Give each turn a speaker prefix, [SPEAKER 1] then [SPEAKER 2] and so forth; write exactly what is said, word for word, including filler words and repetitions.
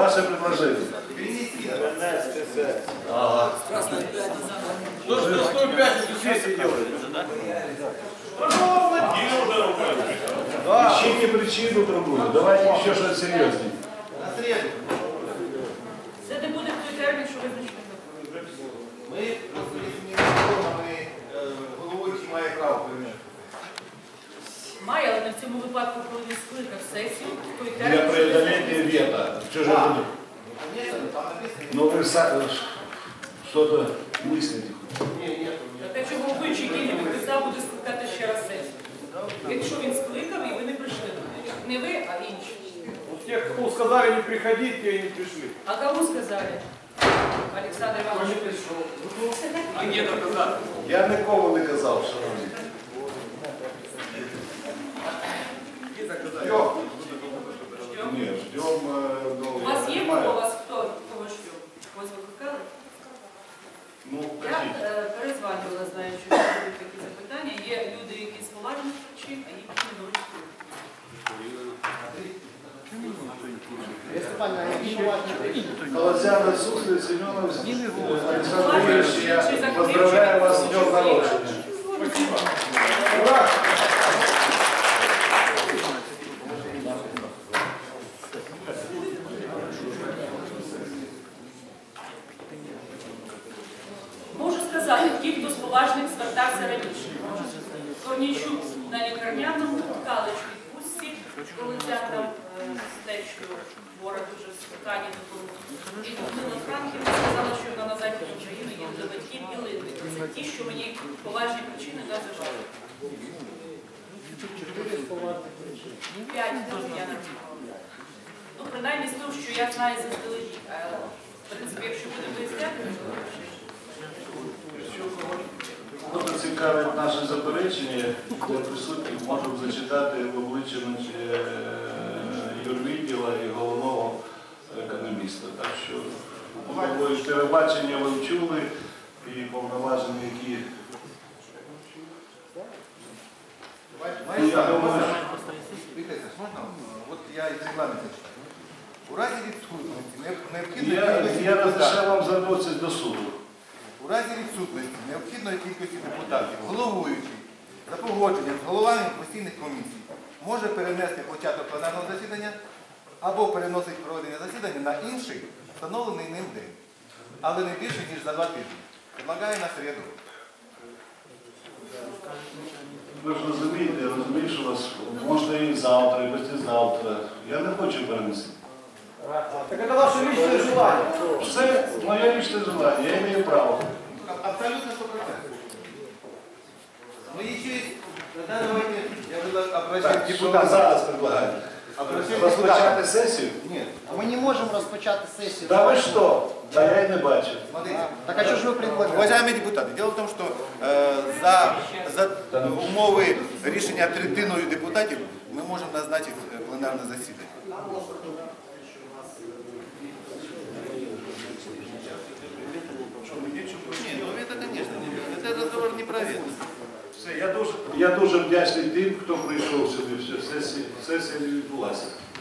[SPEAKER 1] Ваше предложение. Ага.
[SPEAKER 2] Что ж на сто пятницу сессии делаете?
[SPEAKER 1] Ищите причину другую. Давайте еще что-то серьезнее.
[SPEAKER 3] На среду.
[SPEAKER 4] Це не буде в той термін, що визначено.
[SPEAKER 3] Ми просто рішення реформами головуючий має право прийняти.
[SPEAKER 4] Має, але не в цьому випадку, коли він скликав сесію, в той
[SPEAKER 1] Для
[SPEAKER 4] термін, що
[SPEAKER 1] преодоления
[SPEAKER 4] визначено.
[SPEAKER 1] вето. Что же будет?
[SPEAKER 3] Конечно, там написано.
[SPEAKER 1] Ну вы са- что-то мыслите.
[SPEAKER 4] Так а чого головуючий, який не підписав, буде скликати ще раз сесію? Якщо він скликав і ви не прийшли. Не ви, а інші.
[SPEAKER 2] У тех, кому сказали не приходить, те и не пришли.
[SPEAKER 4] А кому сказали? Олександр
[SPEAKER 2] Кто не
[SPEAKER 4] Іванович.
[SPEAKER 2] пришел? А где доказать?
[SPEAKER 1] Я нікому не казав, шановні.
[SPEAKER 2] Где доказать?
[SPEAKER 4] Ждем.
[SPEAKER 1] Ні, ждем. е, ну,
[SPEAKER 4] У вас
[SPEAKER 1] я
[SPEAKER 4] є
[SPEAKER 1] понимаю.
[SPEAKER 4] кого? У вас хто? Кого ждем? Ось викликали?
[SPEAKER 1] Ну,
[SPEAKER 4] Я
[SPEAKER 1] кажіть.
[SPEAKER 4] е, перезванювала, знаю, що будуть такі запитання. Є люди, які з поважних причин, а є які не говорять.
[SPEAKER 1] Колозяна, Суслив, Семенов, Александр Юрьевич, я поздравляю вас с днем народжения.
[SPEAKER 2] Спасибо. Ура!
[SPEAKER 4] Можу сказати, ті, хто з поважних звертався раніше. Корнійчук на лікарняному, Ткалич в відпустці, Колозян там з течкою, Бора дуже спитання допомогли. І Людмила Франківна сказала, що вона на західні України є до батьків і Литви. Це ті, що мені поважні причини називали. П'ять теж я написала. Ну, принаймні з того, що я знаю заздалегідь. А, в принципі, якщо буде виясняти, то
[SPEAKER 1] Дуже цікавить наше заперечення, для присутніх можемо зачитати в обличчя е, юрвідділа і головного економіста. Так що ви телебачення ви вчули і повноваження, які... Ну, я думаю,
[SPEAKER 3] Вітайте, можна? От я із регламенту читаю. У разі відсутності необхідної
[SPEAKER 1] я,
[SPEAKER 3] кількості
[SPEAKER 1] я
[SPEAKER 3] депутатів.
[SPEAKER 1] розрішав вам звернутися до суду.
[SPEAKER 3] У разі відсутності необхідної кількості депутатів, головуючий за погодженням з головами постійних комісій може перенести початок пленарного засідання або переносить проведення засідання на інший встановлений ним день, але не більше, ніж за два тижні. Предлагаю на середу.
[SPEAKER 1] Ви ж розумієте, я розумію, що вас можна і завтра, і післязавтра. Я не хочу перенести.
[SPEAKER 2] Так это ваше личное желание.
[SPEAKER 1] Все моє личне желання, я маю право.
[SPEAKER 3] Абсолютно сто процентов. Ну еще есть, тогда давайте, я буду обращать
[SPEAKER 1] Так, що ви
[SPEAKER 3] депутатов.
[SPEAKER 1] зараз предлагаєте?
[SPEAKER 3] Обращать
[SPEAKER 1] Розпочати
[SPEAKER 3] депутатов.
[SPEAKER 1] сесію?
[SPEAKER 3] Нет,
[SPEAKER 5] Ми не можемо розпочати сесію.
[SPEAKER 1] Та ви що? Та я й не бачу.
[SPEAKER 3] смотрите.
[SPEAKER 5] Так а що ж ви предлагаєте?
[SPEAKER 3] Уважаемые депутаты, дело в том, что э, за, за умови рішення третиною депутатів ми можемо назначити е, пленарне засідання. Ні, ну это, конечно, не- это разговор не про это.
[SPEAKER 1] Все, я дуже, я дуже вдячний тим, хто прийшов сюди. Все, сесія, сесія не відбулася.